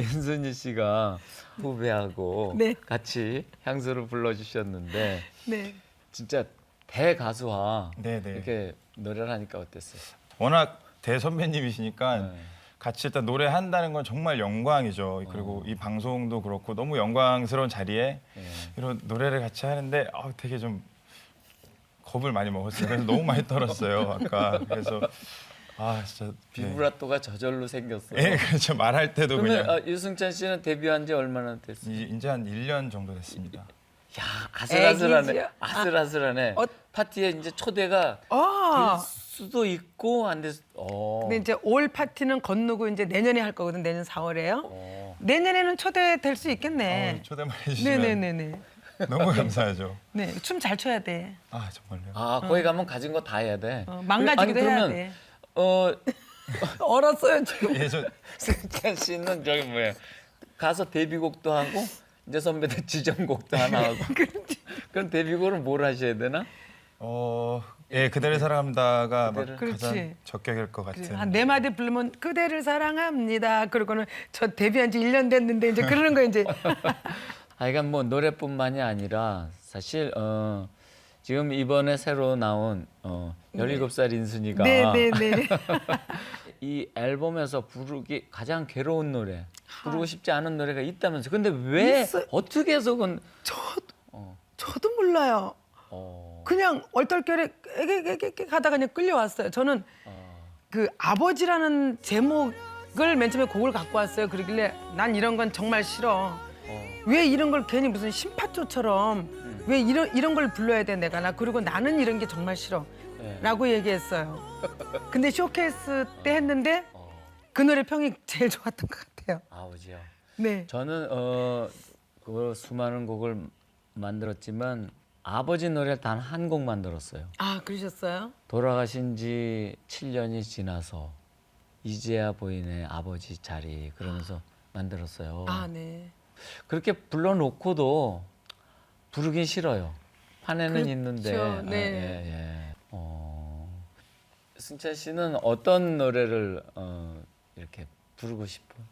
인순이 씨가 후배하고 네. 같이 향수를 불러주셨는데 네. 진짜 대가수와 네네. 이렇게 노래를 하니까 어땠어요? 워낙 대선배님이시니까 네. 같이 일단 노래한다는 건 정말 영광이죠. 그리고 이 방송도 그렇고 너무 영광스러운 자리에 네. 이런 노래를 같이 하는데 되게 좀 겁을 많이 먹었어요. 그래서 너무 많이 떨었어요. 아까 그래서 진짜 비브라토가 저절로 생겼어요. 예, 그렇죠. 말할 때도 그러면 그냥 유승찬 씨는 데뷔한 지 얼마나 됐어요? 이제 한 1년 정도 됐습니다. 야, 아슬아슬하네. 애기지요? 아슬아슬하네. 파티에 이제 초대가 될 수도 있고 안 될 수. 근데 이제 올 파티는 건너고 이제 내년에 할 거거든. 내년 4월에요. 내년에는 초대될 수 있겠네. 초대만 해주시면 네네네네. 너무 감사하죠. 네, 춤 잘 춰야 돼. 정말요. 거기 가면 가진 거 다 해야 돼. 망가지기도 아니, 해야 그러면, 돼. 어, 얼었어요 지금. 승찬 씨는 저기 뭐야 가서 데뷔곡도 하고 이제 선배들 지정곡도 하나 하고. 그럼 데뷔곡을 뭘 하셔야 되나? 예, 그대를 사랑합니다가 막 그대를. 가장 그렇지. 적격일 것 같은. 한 네 마디 부르면 그대를 사랑합니다. 그러고는 저 데뷔한 지 1년 됐는데 이제 그러는 거 이제. 그러니까 뭐 노래뿐만이 아니라 사실 지금 이번에 새로 나온 17살 인순이가 네네네. 이 앨범에서 부르기 가장 괴로운 노래, 부르고 싶지 않은 노래가 있다면서. 근데 왜 있어요. 어떻게 해서 그건 저도 몰라요. 그냥 얼떨결에 애게 가다가 그냥 끌려왔어요. 저는 그 아버지라는 제목을 맨 처음에 곡을 갖고 왔어요. 그러길래 난 이런 건 정말 싫어. 왜 이런 걸 괜히 무슨 심파초처럼 왜 이런 걸 불러야 돼 내가. 나 그리고 나는 이런 게 정말 싫어. 라고 얘기했어요. 근데 쇼케이스 때 했는데 그 노래 평이 제일 좋았던 것 같아요. 아버지요. 네. 저는 그 수많은 곡을 만들었지만 아버지 노래 단 한 곡 만들었어요. 아, 그러셨어요? 돌아가신 지 7년이 지나서 이제야 보이네 아버지 자리 그러면서 만들었어요. 아, 네. 그렇게 불러놓고도 부르긴 싫어요. 판에는 그렇죠. 있는데. 네. 승찬 씨는 어떤 노래를 이렇게 부르고 싶어요?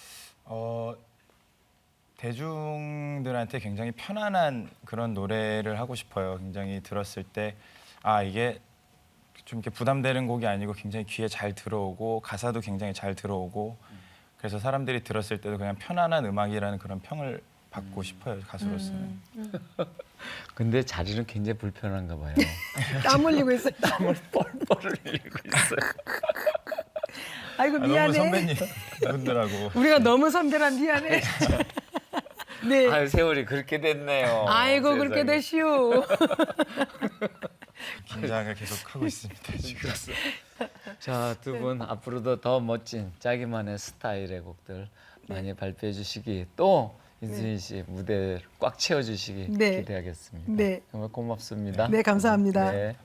대중들한테 굉장히 편안한 그런 노래를 하고 싶어요. 굉장히 들었을 때 이게 좀 이렇게 부담되는 곡이 아니고 굉장히 귀에 잘 들어오고 가사도 굉장히 잘 들어오고 그래서 사람들이 들었을 때도 그냥 편안한 음악이라는 그런 평을 받고 싶어요, 가수로서는. 근데 자리는 굉장히 불편한가 봐요. 땀 흘리고 있어요. 땀을 뻘뻘 흘리고 있어요. 아이고 너무 미안해. 선배님 분들하고 우리가 너무 선배라 미안해. 네. 아유, 세월이 그렇게 됐네요. 아이고 세상에. 그렇게 되시오. 긴장을 계속 하고 있습니다, 지금. 자, 두 분 앞으로도 더 멋진 자기만의 스타일의 곡들 많이 발표해 주시기 또 인순이 씨 무대를 꽉 채워 주시기 네. 기대하겠습니다. 네. 정말 고맙습니다. 네, 감사합니다. 네.